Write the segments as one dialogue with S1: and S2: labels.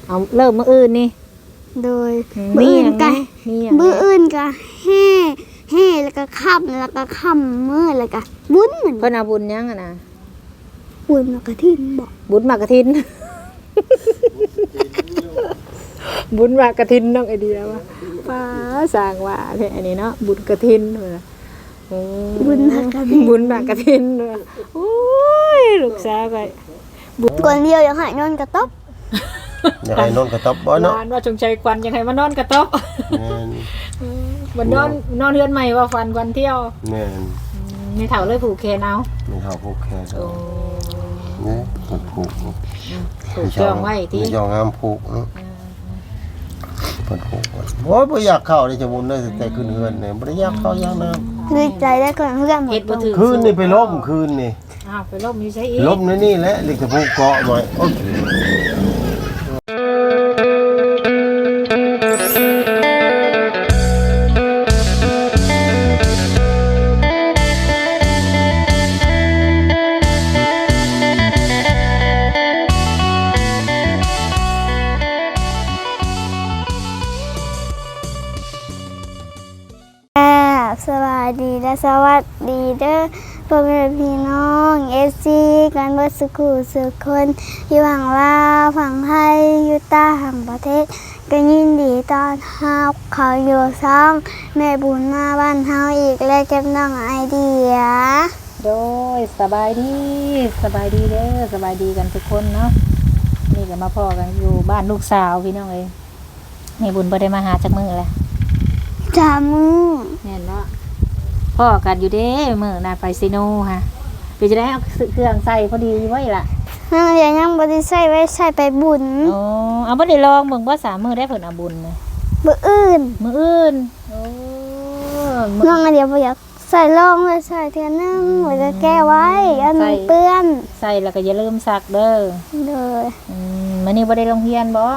S1: เอาเริ่มมื้ออื่นนี่
S2: โดยมื้ออื่นก็มื้ออื่นก็แห่แล้วก็ค่ำแล้วก็ค่ำมื้อแล้วก็บุญเหมือน
S1: เพิ่นเอาบุญยังอ่ะนะ
S2: บุญมากระถินบ่
S1: บุญมากระถินบุญมากระถินน้องไอเดียว่าป้าสร้างว่าแท้อันนี้เนาะบุญกระถิน
S2: บุญมากระถิน
S1: บุญมากระถินโอ้ยลูกสาวก็
S2: ก่อนเดียวยังหายนอนกระต๊อบ
S3: อยากให้นอนกระต๊อบบ่เนาะ
S1: ว่าจงใจควันยังให้มานอนกระต๊อบวันนอนเฮือนใหม่ว่าฟันวันเที่ยว
S3: แม่น
S1: ไม่เฒ่าเลยผูกแขนเอา
S3: ไม่เฒ่าผูกแขนนี่ผูก
S1: จองไว้ที่
S3: จองงามผูกเนาะเพิ่นผูกโอ้ยบ่อยากเข้าเลยจะบุญเลยแต่ขึ้นเฮือนเนี่ยบ่ได้อยากเข้าอย่างนั้น
S2: คือใจได้ก่อนเพื่อนหมด
S3: คืนนี่ไปล้มคืนนี่
S1: ไปล้มอยู่ใช่อีก
S3: ล้มนี่แหละลิกผูกเกาะหน่อยโอเค
S2: สวัสดีและสวัสดีเด้อพ่อแม่พี่น้องFCกันเบิดสุขุสุขคนอยู่ฝั่งลาวฝั่งไทยอยู่ต่างประเทศก็ยินดีต้อนรับเขาอยู่ซ่องแม่บุญมาบ้านเฮาอีกและเก็บน้องไอเดีย
S1: โดยสบายดีเด้อสบายดีกันทุกคนเนาะนี่ก็มาพ่อกันอยู่บ้านลูกสาวพี่น้องเอ้ยแม่บุญบ่ได้มาหาจักมื้อแล้ว
S2: จามือ
S1: แม่นเนาะพ่อกันอยู่เด้มื้อน่ะไปซิโนฮะไปจะได้เอาเครื่องใส่พอดีไว้ล่ะ
S2: นั่นยังบ่ได้ใส่ไว้ใส่ไปบุญ
S1: อ๋อเอาบ่ได้ลองเบิ่งว่า3มื้อได้เพิ่นเอาบุญน่ะ
S2: มื้ออื่น
S1: โอ้
S2: น้องเดี๋ยวบ่อยากใส่ลองเลยใส่เทื่อนึงแล้วก็แก้ไว้อันมันเปื้อน
S1: ใส่แล้วก็อย่าลืมซักเด้อมื้อนี้บ่ได้โรงเรียนบ่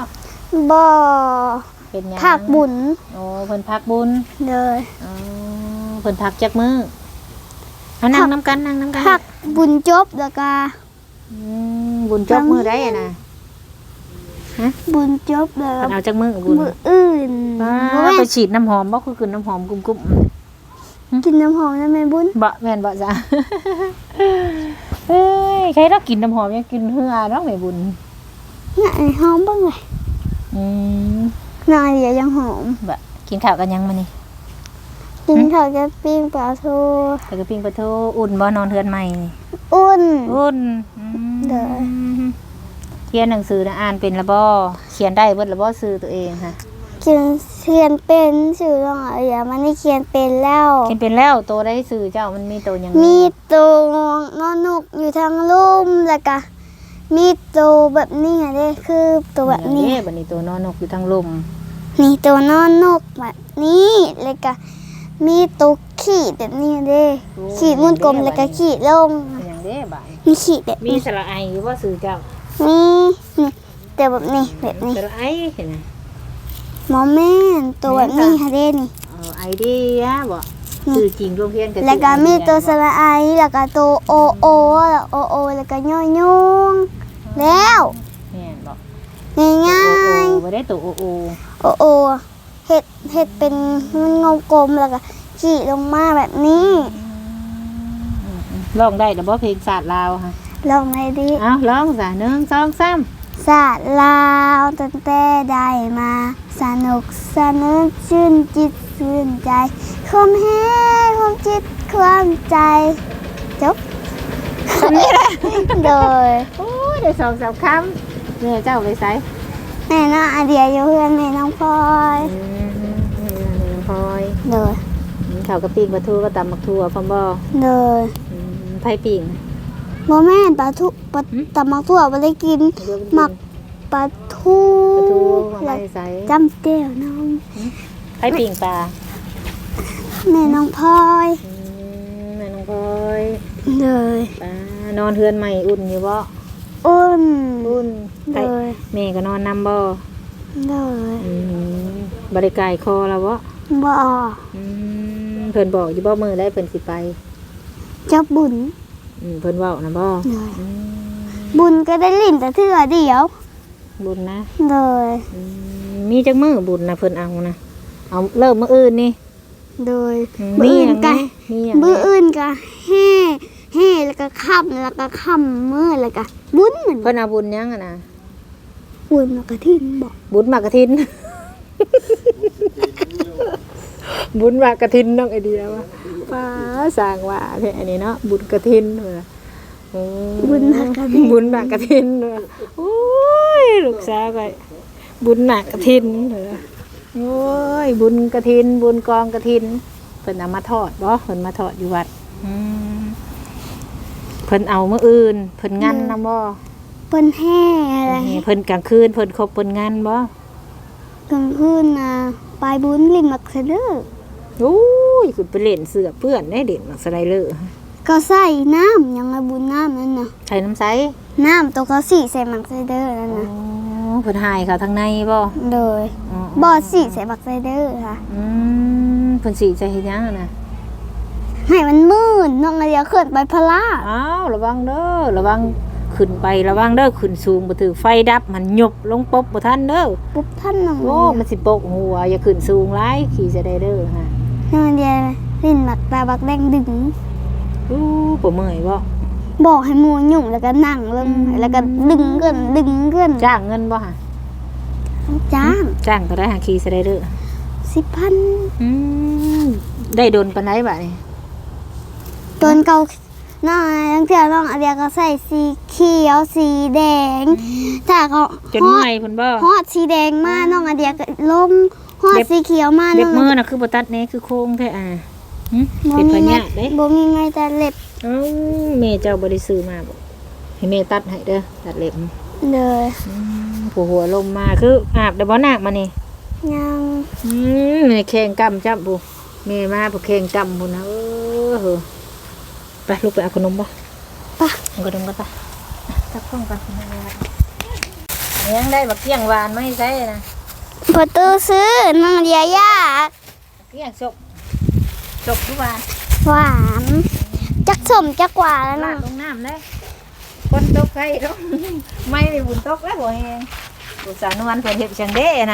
S1: เป็นหยัง
S2: พักบุญ
S1: โอ้เพิ่นพักบุญ
S2: เลย
S1: อ๋อเพิ่นพักจักมื้อนั่งนำกัน
S2: พักบุญจบแล้วก็
S1: บุญจบมื้อใดอ่ะนะฮะ
S2: บุญจบแล้ว
S1: เอาจักมื้อบุญ
S2: มื้ออื่น
S1: ไปฉีดน้ำหอมบ่คือกินน้ำหอมกุม
S2: ๆกินน้ำหอมนั่นแม่บุญ
S1: บ่แม่นบ่จ้ะเอ้ยใครต้องกินน้ำหอมยังกินเหือเนาะแม่บุญ
S2: น่ะหอมบ้างเลยนายเดี๋ยวยังหอม
S1: บะกินข้าวกันยังมานี่
S2: กินข้าวกับปิ้งปลาทู
S1: กับปิ้งปลาทูอุ่นบ่นอนเทือนใหม่นี่
S2: อุ่น
S1: เด้อเขียนหนังสืออ่านเป็นละบ่เขียนได้เบิดละบ่ชื่อตัวเองค่ะ
S2: เขียนเป็นชื่อน้องเอ๋ยมันนี่เขียนเป็นแล้ว
S1: โตได้ชื่อเจ้ามันมีโตยัง
S2: มีโตนอนนุกอยู่ทางลุ่มแล้วก็มีตัวแบบนี้เด้คือตัวแบบนี้
S1: แบบนี้ตัวนอนนกอยู่ทางลม
S2: นี่ตัวนอนนกแบบนี้แล้วก็มีตัวขีดแบบนี้เด้ขีดมุนกลมแล้วก็ขีดลง
S1: อย่างเด้บ่
S2: มีขีดแบบ
S1: มีสระไอหรือว่าสื่อเจ้า
S2: มีนี่แต่แบบนี้
S1: สระไอเห็นไหม
S2: หมอแม่ตัวแบบนี้ค่ะเด้นี่
S1: ไอเดียบ่สื่อจริงรวมเพียงกัน
S2: แล้วก็มีตัวสระไอแล้วก็ตัวโอแล้วก็ย่อยแล้ว
S1: แม่นบ่
S2: ง่าย
S1: ๆบ่ได้ตัว
S2: โอเฮ็ดเป็นมันงกลมแล้วก็ขีดลงมาแบบนี้
S1: ร้องได้แต่บ่เพลงศาสตร์ลาวค่ะ
S2: ร้องได้ดิ
S1: ร้องซะ1 2 3
S2: ศาสตร์ลาวตั้งแต่ได้มาสนุกสนุกชื่นจิตชื่นใจความแห้ความจิตความใจจบ
S1: นี่แหละ
S2: โดย
S1: โอ้ยได้2-3 คำเนี่ยเจ้าไปไส
S2: แม่น้องไอเดียอยู่เพื่อนแม่น้องพลอยโดย
S1: ข้าวกะปิปลาทูก็ตำมักทั่วพร้อมบ่
S2: โดย
S1: ไผ่ปิ่ง
S2: บ่แม่นปลาทูตำมักทั่วบ่ได้กินมักปลาทู
S1: แล้ว
S2: จำเตี้ยวน้อง
S1: ไผ่ปิ่งปลา
S2: แม่น้องพลอย
S1: เลยนอนเฮือนใหม่อุ่นอยู่บ่
S2: อุ่น
S1: เลยแม่ก็นอนนำบ่
S2: เลย
S1: บริการคอแล้วบ่เพิ่นบอกอยู่บ่มื้อได้เพิ่นสิไป
S2: จับบุญ
S1: เพิ่นเว้านะบ่
S2: บุญก็ได้ลิ้นแต่เทื่อเดียว
S1: บุญนะ
S2: โดย
S1: มีจักมื้อบุญนะเพิ่นเอานะเอาเริ่มมื้ออื่นนี่
S2: โดย
S1: มี
S2: มื้อ
S1: ห
S2: อื่
S1: ยั
S2: น
S1: ง
S2: ก็
S1: มีหยัง
S2: มื้ออื่นก็แห่แล้วก็ค่ำแล้วก็ค่ำมื้อแล้วก็บุญเหมือน
S1: เพิ่นเอาบุญหยังอะนะ
S2: บุญมากระทินบอก
S1: บุญหมากกฐิน บุญหมากกฐินน้องไอเดียว่าป้าสร้างว่าแท้อันนี้เนาะบุญกฐินเด้อโอ้
S2: บุญมากระทิน
S1: บุญหมากกฐินเด้อโอ้ยลูกสาวก็บุญหมากกฐินเด้อโอ้ยบุญกฐินบุญกองกฐินเพิ่นเอามาทอดบ่เพิ่นมาทอดอยู่วัดเพิ่นเอามื้ออื่นเพิ่นงั้นนำบ่
S2: เปิ้นแห่อะไร
S1: เพิ่นกลางคืนเพิ่นครบเพิ่นงั้นบ่
S2: กลางคืนน่ะไปบุญริมมักเสะเด้อ
S1: โอ้ยคุณไปเล่นเสือเพื่อนได้เด่นมักสไลเลอร์
S2: ก็ใส่น้ำยังไงบุญน้ำนั่นน่ะ
S1: ใช้น้ำใส
S2: น้ำตัวเขาสีใส่มักเสะเด้อนั่น
S1: อ๋อ
S2: น่ะ
S1: เพิ่นหายเขาทางในบ่
S2: โดย
S1: อ๋อ
S2: บ่อสีใส่มักเสะเด้อค่ะ
S1: เพิ่นสิใจเฮ็ดหยังอะนะ
S2: ให้มันมืดน้องไอเดียขึ้นไปพะลา
S1: อ้าวระวังเด้อระวังขึ้นไประวังเด้อขึ้นสูงบ่ถือไฟดับมันหยบลงปบบ่ทันเด้อ
S2: ปุ๊บท่านน้อง
S1: โอ้มันสิปกหัวอย่าขึ้นสูงหลายขี่จะได้เด้อฮะ
S2: น้องไอเดียลิ้นหมักตาบักแดงดึง
S1: อู้บ่เมื่อยบ่
S2: บอกให้หมูหยุ่งแล้วก็นั่งลงแล้วก็ดึงเกิน
S1: จ้างเงินบ่ฮะ
S2: จ้าง
S1: จ้างก็ได้หาขี่จะได้เด้อ
S2: 10,000
S1: อืมได้โดนปานใดบัดนี้
S2: ตอนเก่าน้องทั้งเที่ยวน้องไอเดียก็ใส่สีเขียวสีแดงถ้าเขา
S1: จนเมื่อยเพิ่นบ่
S2: ฮอดสีแดงมาน้องไอเดียก็ลงฮอดสีเขียวมา
S1: เล็
S2: น้
S1: บ
S2: อง
S1: มือน่ะคือบ่ตัดแหน่คือโค้งแท้เป็นพญาติเด้
S2: บ่มีไงแต่เล็บ
S1: เอ้าแม่เจ้าบ่ได้ซื้อมาบ่ให้แม่ตัดให้เด้อตัดเล็บ
S2: เลย
S1: ผู้หัวลมมาคืออาบได้บ่นาคมานี่
S2: ยัง
S1: แม่แข่งกำจับผู้แม่มาผู้แข่งกำพุ่นนะเหอะไปลูกไปเอาขนมบ่
S2: ปะ
S1: เอาขนมกันปะตักข้องกันยังได้บักเกี้ยงหวานมาให้ใช้นะ
S2: ประตูซื้อน้องไอเดียยาก
S1: เกี้ยงสกทุกหวาน
S2: หวานจักสมจักหวานแล้ว
S1: ลา
S2: นะ
S1: ดลงน้ำเลยคนตกใครลงไม่ได้บุญตกแล้วบ่แฮงบุษสานวลเพิ่นเฮ็ดจังเด้นะ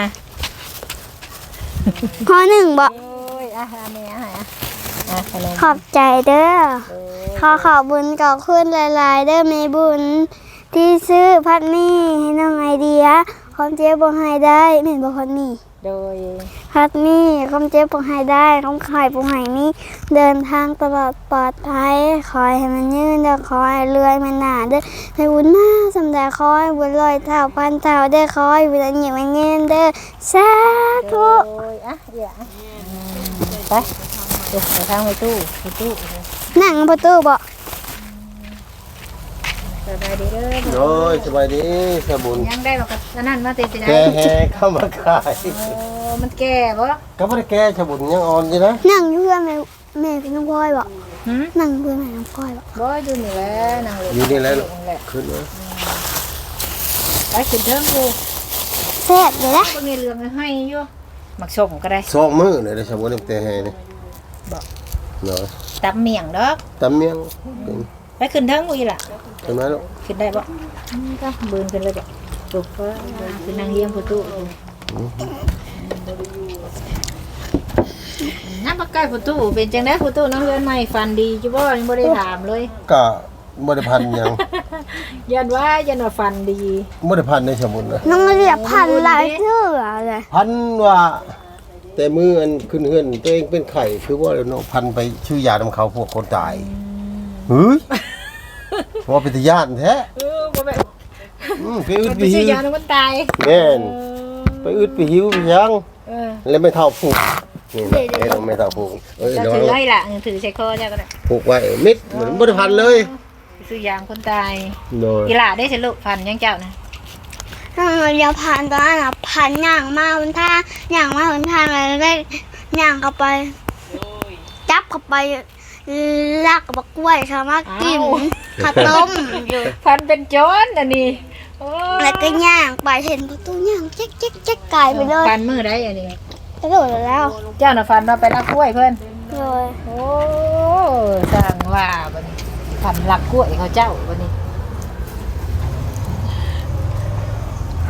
S2: ข้อหนึ่งบอก
S1: โอ้ยอาหารแม่อาหารขนม
S2: ขอบใจเด้อขอบุญกับคุณหลายๆเด้อแม่บุญที่ซื้อพัดนี่ให้น้องไอเดียความเจ็บบ่ให้ได้แม่นบ่พัดนี่
S1: โดย
S2: พัดนี่ความเจ็บบ่ให้ได้ความไข่บ่ให้มีเดินทางตลอดปลอดภัยขอให้มันยืนเด้อขอให้เลื่อยมันหนาเด้อให้บุญมาสำได้ขอให้บุญลอยเท่าพันเท่าเด้อขอให้บุญหยิบมันเงินเด้อสาธุ
S1: โอ้ยอย่าไปเดี๋ยวไปทางไปตู้
S2: นั่งประตูบ่
S1: สบายดีเด้อ
S3: โอ้ยสบายดีสบุญ
S1: ยังได้บอกกับนั่นมาเตะได้
S3: แกแห่เข้ามาขาย
S1: โอ้มันแก่บ่
S3: ก็บ่ได้แกสบุญยังอ่อนอยู่นะ
S2: นั่งอยู่เพื่อนแม่พี่น้องพลอยบ่
S1: หืม
S2: นั่งเพื่อนแม่น้องพลอยบ่
S1: บ่อยู่นี่แหละนั่งเลย
S3: อยู่นี่แหล้ว
S1: แหละ
S3: ขึ้นมา
S1: ไปขึ้นเทิงกู
S2: แซ่บเลยนะ
S1: ก็มีเรื่องให้อยู่มักชมก็ได้
S3: สองมื้อเลยเด้อสบุญแต่แห่นี่
S1: บ่
S3: เนาะ
S1: ตำเมี่ยงดอก
S3: ตำเมียงเป็น
S1: ไปขึ้นเทิงกูอีหล่ะ
S3: ขึ้นมาลูก
S1: ขึ้นได้บ่ก็เบิ่นขึ้นเลยบ่จุกก็ขึ้นนั่งเฮียงประตูน้ำปลาไก่ประตูเป็นจังได๋ประตูน้องเรือนใหม่ฟันดีจุบ่ยังบ่ได้ถามเลย
S3: ก็บ่ได้พันหยัง
S1: ยันว่าฟันดี
S3: บ่ได้พันในสมุนนะ
S2: น้องเรียกพันหลายเชื่อเลย
S3: พันว่าแต่มืออันขึ้นเฮือนตัวเองเป็นไข่คือว่าเนาะพันไปชื่อยานํเขาพวกคนตายเฮ้ยว่าเป็นตาญาติแท้
S1: บ่แม่
S3: ไปอึด
S1: มัน
S3: ไป
S1: ไป
S3: หิ
S1: ซื้อ
S3: วย
S1: าแล้วมันตาย
S3: แม่นไปอึดไปหิวไปยัง
S1: เออ
S3: แล้วไม่เท่าผูกนี่นะไอ้เราไม่เท่าผูกเอ้ย
S1: จะ
S3: ระวั
S1: ถื
S3: ง
S1: อไว้ล่ะถือใส่คอเจ้าก็ได้
S3: ผูกไว้มิดเหมือนบ่ได้พันเลย
S1: ไปซื้อยางคนตาย
S3: โดย
S1: อีหล่าได้สิลูกฟันยังเจ้านะ
S2: น้องเรียกพันตอนนั้นอ่ะพันย่างมาบนท่าย่างมาบนท่าอะไรได้ย่างเข้าไปจับเข้าไปลากกับกล้วยค่ะมากินข้าวต้มอยู่
S1: ฟันเป็นโจรอันนี้โอ้
S2: แล้วก็ย่างไปเห็นประตูย่างแจ๊กแจ๊กแจ๊กไก่ไปเลย
S1: ฟันมือได้อันนี้
S2: กระโดดแล้ว
S1: เจ้าน่ะฟันมาไปลักกล้วยเพิ่น
S2: เลย
S1: โอ้สร้างว่าบัดนี้ฟันลักกล้วยเขาเจ้าบัดนี้ เพิ่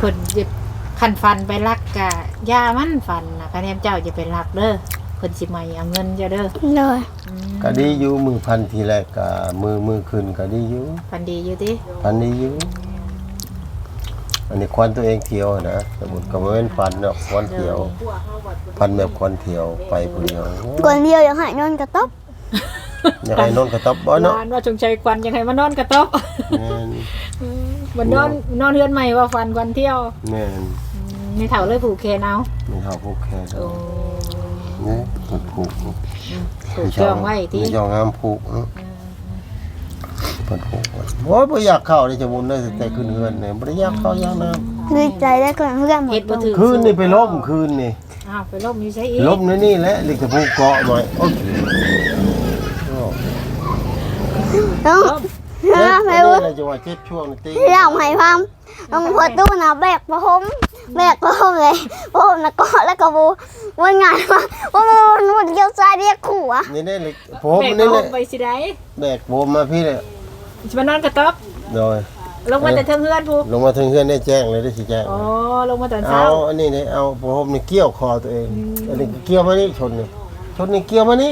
S1: พิ่นสิคันฟันไปลักกะย่ามันฟันน่ะคะแนนเจ้าจะไปลักเด้อเพิ่นสิมาเอาเงินเจ้าเด้อ
S2: เลย
S3: ก็ดีอยู่มือพันทีแรกก็มือขึ้นก็ดีอยู่
S1: ฟันดีอยู่ติ
S3: พันดีอยู่อันนี้ควันตัวเองเที่ยวนะสมมุติก็บ่แม่นฟันเนาะควันเที่ยวพันแบบควันเที่ยวไปผู้เดียว
S2: ก่อนเดียวยังหายนอนกระต๊อบ
S3: อยากให้นอนกระต๊อบบ่เนาะ
S1: วานว่าจงใจควันยังไงมานอนกระต๊อบ
S3: แม่น
S1: มันนอนเฮือนใหม่ว่าฟันควันเที่ยว
S3: แม่น
S1: มีเฒ่าเลยผูกแขนเอา
S3: มีเฮาผูกแค่
S1: โอ้
S3: นี่ผูก
S1: ผูกจองไว้ที่
S3: มีจองงามผูกเนาะเพิ่นผูกไว้โอ้ยบ่อยากเข้าเลยจะบุญได้แต่ขึ้นเฮือนเนี่ยบ่ได้อยากเข้าอยากน้ำ
S2: คือใจได้ก่อนเพื่อนหม
S1: เฮ็
S2: ด
S1: ดบ่ถึง
S3: คืนนี่ไปล้มคืนนี่
S1: อ้าวไปล่มอยู่ไสอีก
S3: ล้มนี่แหละลิกจะผูกเกาะหน่อยโอ้ย
S2: ต้อง
S3: เจ็บ
S2: ไม่
S3: อัน
S2: รู้
S3: นี้เราจะว่าเจ็บช่วงตี
S2: ที่เราให้พังต้องพอตู้นะแบกประหมเลยประหมนะก็แล้วก็บูวันงานมาวันเกี่ยวใจเรียกขู่อ่ะ
S3: นี่เลยผม
S1: แบก
S3: นี่
S1: ล
S3: เลย
S1: งไปสิได้
S3: แบกผมมาพี่เลย
S1: สิมานอนกระต๊อบ
S3: โดย
S1: ลงมาแต่เทิงเฮือนผู้
S3: ลงมาถึงเฮือนได้แจ้งเลยได้สิแจ้ง
S1: อ๋อลงมาตอน
S3: เอา
S1: เช้า
S3: อันนี้เนี่ยเอาผมนี่เกี่ยวคอตัวเองอันนี้เกี่ยวมานี่ชนนี่เกี่ยวมานี่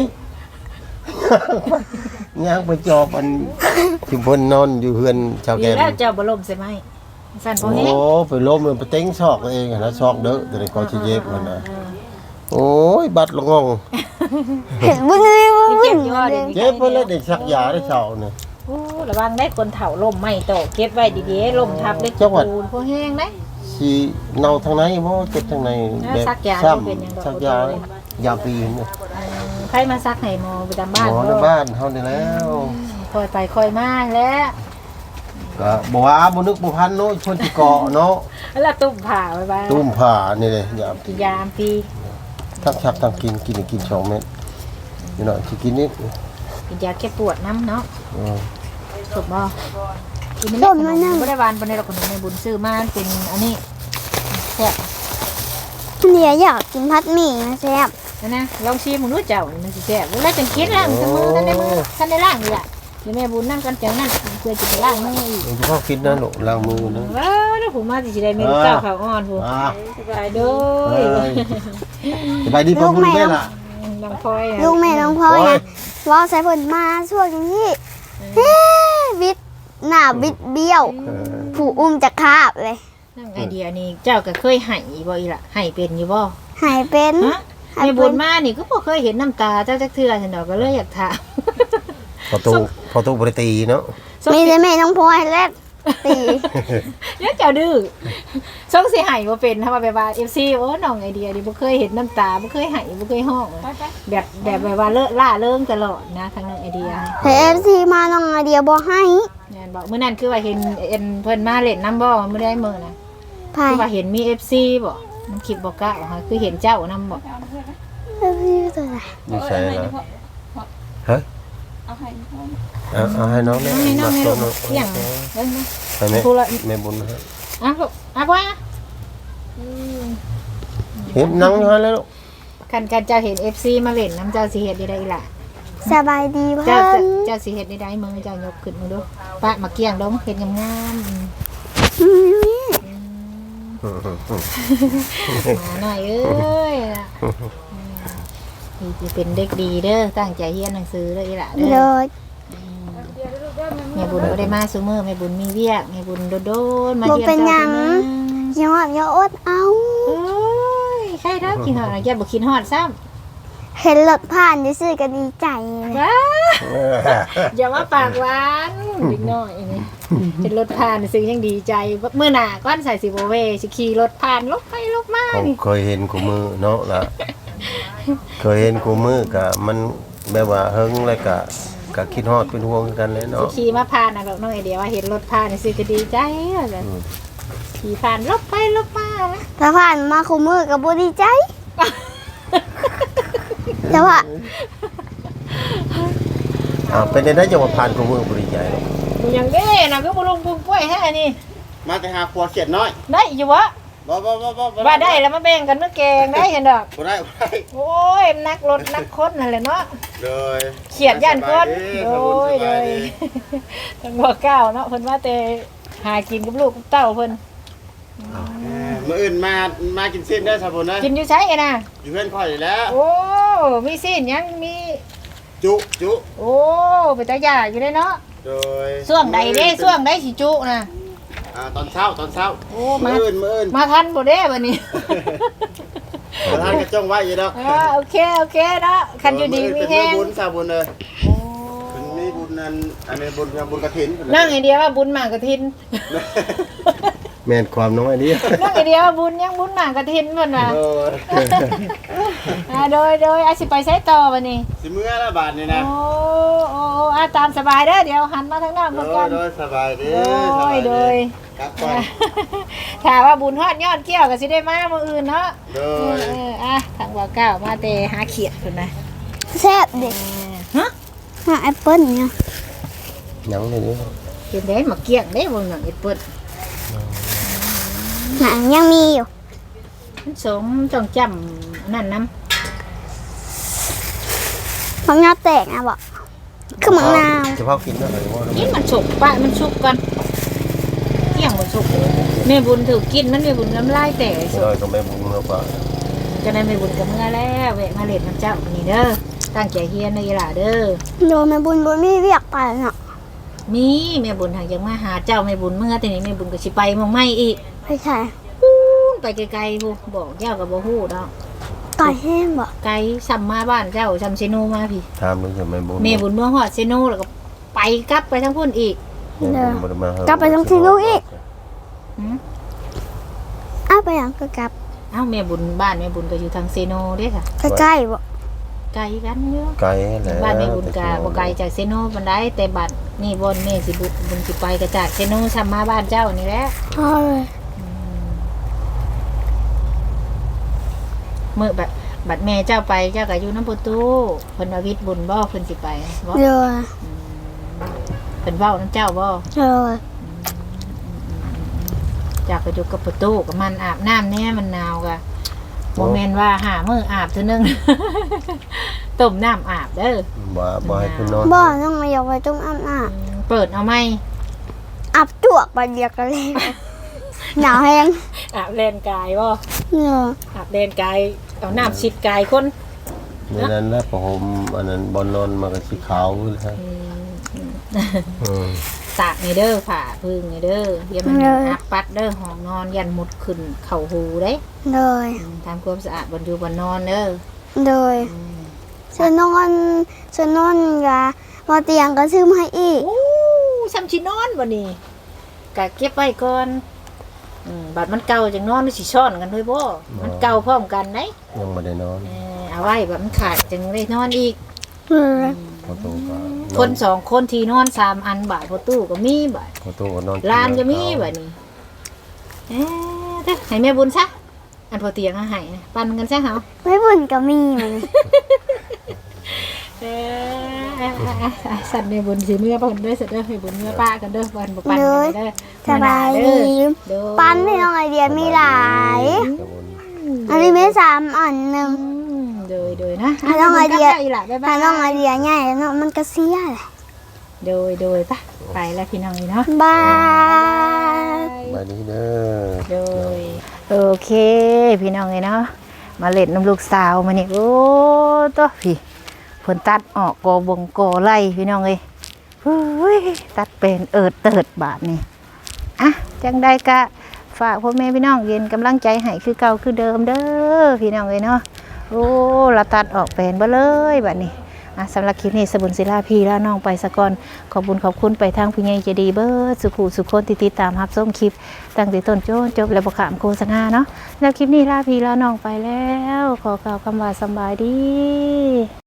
S3: ย่างไปจอบอันที่เพิ่นนอนอยู่เฮือนชาวแก
S1: ดี
S3: ม
S1: แล้วเจ้าบ่ล่มใช่ไหมสั่นบ่
S3: โอ้
S1: แฮง
S3: ไปล้มเลยไปเต็งซอกตัวเองนะซอกเด้อแต่ในกอชิเย็บมันนะโอ้ยบัดละงง
S2: เห็นบึ้งเลยบึ้ง
S1: เจ็บอยู่ดิ
S3: เจ็บเพิ่นเลยได้สักยาได้เช้านี่
S1: โอ้ระวังได้คนเฒ่าล่มไม่โตเก็บไว้ดีๆล่มทับเล็ก
S3: จังหวัด
S1: ปูนพวกแห้งได้
S3: สิเนาทางไหนบ่เจ็บทางไหน
S1: ซักยา
S3: ซ้
S1: เป็นหยังดอก
S3: ซักยายาปีนเนี่ย
S1: ใครมาซักให้หมอประจำบ้าน
S3: หมอในบ้านเฮานี่แล้ว
S1: คอยไปคอยมาแล้ว
S3: ก็บ่ว่าบ่นึกบ่พันเนาะเพิ่นสิเกาะเนาะ
S1: แล้วตุ้มผ่าไว้บ้าง
S3: ตุ้มผ้านี่เลยยา
S1: กินยามปี
S3: ทั้งชักทั้งกิน2เม็ดนี่เนาะสิกินนิด
S1: กินยาแก้ปวดน้ำเนาะ
S3: เออ
S1: ถูกบ่กินไม่ได้ขนมไม่ได้หวานปานใดหรอกขนมในบุญซื้อมาเป็นอันนี้แซ่บ
S2: เนี่ยอยากกินพัดหมี่นะแซ่บ
S1: นะลองชิมมึงรู้เจ้ามันสิแซ่บแล้วจังคิดล้างมือท่านได้มือท่านได้ล้างนี่ล่ะเดี๋ยวแม่บุญนั่งกันจังนั้นเพื่อจะไปล้างมืออีก
S3: มันจะเข้าคิดนะลูกล้างมือนะ
S1: ว้าวแล้วผมมาสิได้เมนูเก้าข้าวอ่อนผม
S3: อ่า
S1: สบายเด้อ
S3: สบายดีพ่อบุญแม่ล่ะ
S1: น้องพลอย
S2: ลูกแม่น้องพ่อยนะว่าใส่ผลมาช่วงนี้บิดหน้าบิดเบี้ยว ผู้อุ้มจะคาบเลย
S1: นั่งไอเดียนี่เจ้าก็เคยให้บ่อีล่ะให้เป็นอยู่บ่
S2: หายเป็น
S1: ฮะแม่บุญมานี่ก็บ่เคยเห็นน้ำตาเจ้าจักเทื่อฉันดอกก็เลยอยากถาม
S3: พอตู้บริตีเนาะ
S2: มีแต่แม่น้องพลอยและตี
S1: เนี่ยเจ้าดื้อส่งสิให้บ่เป็นถ้าว่าแบบว่า FC โอ้น้องไอเดียนี่บ่เคยเห็นน้ำตาบ่เคยให้บ่เคยร้องแบบว่าเลอะล่าเริงตลอดนะทางน้องไอเดีย
S2: แต่เอฟซีมาน้องไอเดียบอกให้
S1: แม่นบอกมื้อนั้นคือว่าเห็นเพิ่นมาเล่นน้ำบ่มื้อได้มื้อน่ะ
S2: พาย
S1: คือว่าเห็นมี FC บ่มันคลิปบ่กะค่ะคือเห็นเจ้านำบ่
S2: เอฟซีตัวไหน
S3: อยู่ใส่ละเฮ้ยเอาให้น้องเนี่ย
S1: น้องนี่น้องนี่
S3: ตั
S1: ลู
S3: ว
S1: กเที่ยงเบิ่งนะ
S3: ไปไหม
S1: พูดละ
S3: แม่บุญนะฮะ
S1: อ่ะลูกอ่ะบ่อ่ะ
S3: เห็นนั่งอยู่แล้วลูก
S1: คันเจ้าเห็น FC มาเล่นน้ำเจ้าสิเฮ็ดได้อีหล่ะ
S2: สบายดี
S1: เจ้า
S2: เพิ่น
S1: เจ้าสิเฮ็ดได้มึงเจ้ายกขึ้นมึงดูปะมาเกี้ยงลงเฮ็ดงามๆมาหน่อยเอ้ยนี่สิเป็นเด็กดีเด้อตั้งใจเรียนหนังสือเด้ออีหล่ะเด้
S2: เล
S1: อย แม่บุญบ่ได้มาซุมื้อแม่บุญมีเวียกแม่บุญโดนๆมา
S2: บ่
S1: เยี่ยม
S2: เป็นห
S1: เจ้า
S2: ยัง
S1: เทื่อนึง
S2: ยอดยอดเอา
S1: โอ้ยใครเด้อกินฮอดอย่าบ่กินฮอดซ้ำ
S2: เห็นรถผ่านซื่อๆก็ดีใจเลย
S1: ว้าอย่ามาปากหวานเด็กน้อยนี่เป็นรถผ่านซื้อยังดีใจมื้อหน้าก้อนใส่สิบ่เวสิขี่รถผ่านลบไปลบมา
S3: ผม
S1: นี่
S3: เคยเห็นกูมือเนาะล่ะเคยเห็นกูมือกะมันแบบว่าเฮิงแล้วกะคิดฮอดเป็นห่วงกันเลย
S1: สิ
S3: เนาะ
S1: ขี่มาผ่านน่ะดอกน้อยเดียวว่าเห็นรถผ่านนี่สิก็ดีใจเลยขี่ผ่านลบไปลบมา
S2: ถ้าผ่านมาคุมือกับบ่ดีใจแต่ว่า
S3: เป็นได้จังหวะผ่านกูมือบริใจหรอก
S1: กูยังเด้น่ะก็บ่ลงพุงกล้วยแท้นี่
S3: มาแต่หาขวดเขียดน้อย
S1: ได้อยู่วะ
S3: บ่
S1: ว่าได้แล้วมาแบ่งกันมื้อแกงได้เห็นดอก
S3: บ่ได้
S1: โอ้ยนักรถนักคนนั่นแหละเนาะ
S3: เลย
S1: เขียดย่านคนโอ้ยเลยทั้งบ่ก้าวเนาะเพิ่นว่าแต่หากินกับลูกกับเต้าเพิ่น
S4: มื้ออื่นมากินสิ้นได้อสาบุญนะ
S1: กินอยู่ใช้น่ะ
S4: อยู่เพื่อนข่อยอยู่แล้ว
S1: โอ้มีสิ้นยังมี
S4: จุ
S1: โอ้ไปตาหยาอยู่ได้เนาะ
S4: โดย
S1: ช่วงใดเด้ช่วงใดสิจุน่ะ
S4: ตอนเช้า
S1: โอ้
S4: มื้
S1: มา
S4: ออื่น
S1: มาทันบ่เด้บัดนี้
S4: ประธานก็จ้องไว้อยู่ดอก
S1: โอเคเนาะคันอยู่ดีมี
S4: เป็น
S1: แฮ
S4: มื้อง บุญสาบุญเลย
S1: โอ้
S4: เป็นมีบุญอันนี้บุญกฐิน
S1: นั่งไอเดียว่าบุญหมากกระทิน
S3: แม่นความน้อยนี้
S1: นั่งไอเดียว่าบุญยังบุญหมากกระทินเพิ่นว่า โดยอาสิไปใช้ต่อบัดนี้
S4: สิมื้อละบาทนี่นะ
S1: โอ้ตามสบายเด้อเดี๋ยวหันมาทางหน้าเพิ่นก่อน
S4: โดยสบายดี
S1: โดย
S4: ครับก่อน
S1: ถ้าว่าบุญฮอดยอดเกี้ยวก็สิได้มามื้ออื่นเนาะ
S4: โดย
S1: ทางว่าก้าวมาแต่หาเขียดพุ่นนะ
S2: แซ่บเด็ก
S1: ฮะ
S2: หาแอปเปิ้ลเนี่ย
S3: ยังเลยนี่
S1: เป็นได้มาเกี้ยงได้บ่หนังเอ็ดเปิ้ล
S2: หางยังมีอยู่
S1: มันสมต้องจำนั่นนำ
S2: มังนาวแตกนะบอกคือมังนาว
S3: จะพากินได้ไหมว่า
S1: กินมันสุกปะมันสุกก่อนเกี้ยงบ่สุกแม่บุญถือกินมันแม่บุญน้ำลายแตกสุ
S3: น้
S1: ก
S3: อยก็ไม่บุญแล้วป่ะ
S1: จะได้แม่บุญกับเมื่อแล้วแวะมาเล่นน้ำเจ้านี่เด้อตั้งใจเฮียนเด้ออีหล่าเด้อ
S2: โดนแม่บุญมีเรียกไปเนาะ
S1: มีแม่บุญทางยังมาหาเจ้าแม่บุญเมื่อแต่นี้แม่บุญก็สิไปหมองไม่อีก
S2: ไม่ใช่
S1: ไปไกลๆพูบอกเจ้ากับบ่ฮู้ดอก
S2: ไก่แห้งบอก
S1: ไกลซ้ำมาบ้านเจ้าซ้ำเซโนมาพี่
S3: ถามมันจะไม่บุญ
S1: แม่บุญเมื่อฮอดเซโนแล้วก็ไปกลับไปทั้งพุ่นอีก
S2: กลับไปตรงที่ลูกอีก
S1: หือ
S2: อ้าวไปอย่างก็กลับ
S1: เอ้าแม่บุญบ้านแม่บุญก็อยู่ทางเซโนเด้ค่ะ
S2: ใกล้ๆบอก
S1: ไกลกันเยอะ
S3: ไกลแล้ว
S1: บ้านแม่บุญก็บ่ไกลจากเซโนปานใดแต่บัดนี่บ่อนแม่สิบุญสิไปก็จากเซโนซ้ำมาบ้านเจ้านี่แหละ
S2: พอเลย
S1: เมื่อแบบบัดแม่เจ้าไปเจ้าก็อยู่น้ำประตูเพิ่นว่าวิทย์บุญบ่เพิ่นสิไปบ่
S2: เดี๋ยว
S1: เพิ่นเว้าน้ำเจ้าบ่
S2: เดี๋ยว
S1: จากก็อยู่กับประตูกับมันอาบน้ำแน่มันหนาวกะบ่แม่นว่าหามื้ออาบเทื่อนึง ต้มน้ำอาบเด้อ
S3: บ่ให้คุณนอน
S2: บ่อต้องมาอยากไปตรงอาบน้
S1: เปิดเอาไหม
S2: ำอาบจวกไปเดียวกันเลยหนาวแห้ง
S1: อาบแลนกายบ่
S2: เดี๋ยว
S1: อาบแลนกายเอาน้ำฉีดกายคน
S3: ในนั้นแล้วประหมอันนั้นบอลนอนมากับสีขาวเลยครับ
S1: ตากนี่เด้อผ่าพึ่งนี่เด้ออย่ามันอับปัดเด้อห้องนอนยันมุดขึ้นเข้าหูเด้
S2: โดย
S1: ทำความสะอาดบนอยู่บนนอนเด้อ
S2: โดยฉันนอนกะพอเตียงก็ซื้อมาให้อีก
S1: โอ้ซ้ำชินอนบ่นี่กะเก็บไว้ก่อนบัดมันเก่าจังนอนมันสิซ่อนกันด้วยบ่มันเก่าพร้อมกันไหน
S3: ยังไม่ได้นอน
S1: เอาไว้บัดมันขาดจังได้นอนอีก
S3: พอโตก็
S1: คนสองคนที่นอน3อันบาทพอตู้ก็มีบาท
S3: พอโตก็นอน
S1: ลานก็มีบัดนี้เด้อให้แม่บุญซะอันพอเตียงให้นะปั่นกันซะเฮา
S2: ไม่บุญก็มีมัน
S1: สัตว์ในบุญสิเมื่อเพิ่นเด้อสัตว์เด้อให้บุญเมื่อป้ากันเด้อเพิ่นบ่ปั่น
S2: เล
S1: กัน
S2: ย
S1: เด้อ
S2: สบายดี
S1: เด้อ
S2: ปั้นไม่ต้องไอเดียมีหลาย อันนี้ไม่3 อันหนึ่ง
S1: โดยนะ
S2: ถ้าน้องไอเดีย
S1: อีหล่ะบ๊ายบา
S2: ถ้าย น้องไอเดียใหญ่แล้วเนาะมันก็เสียแหละ
S1: โดยไปแล้วพี่น้องนี่เนาะ
S2: บาย
S3: ไปดีเด้อ
S1: โดยโอเคพี่น้องเนาะมาเล่นน้ำลูกสาวมานี่โอ้ตัวพี่เพิ่นตัดออกกอบงกอไล่พี่น้องเอ้ยเฮ้ยตัดเป็นเติดบาทนี่อ่ะจังใดกะฝากพ่อแม่พี่น้องเย็นกำลังใจให้คือเก่าคือเดิมเด้อพี่น้องเอ้ยเนาะโอ้เราตัดออกเป็นบ่เลยบาดนี้สำหรับคลิปนี้สบุญศิลาพีแล้วน้องไปสะก่อนขอบคุณไปทางผู้ใหญ่ใจดีเบิดสุขุสุขคนที่ติดตามรับชมคลิปตั้งแต่ต้นจนจบและบ่ขามโฆษณาเนาะแล้วคลิปนี้ลาพีแล้วน้องไปแล้วขอกล่าวคำว่าสำบายดี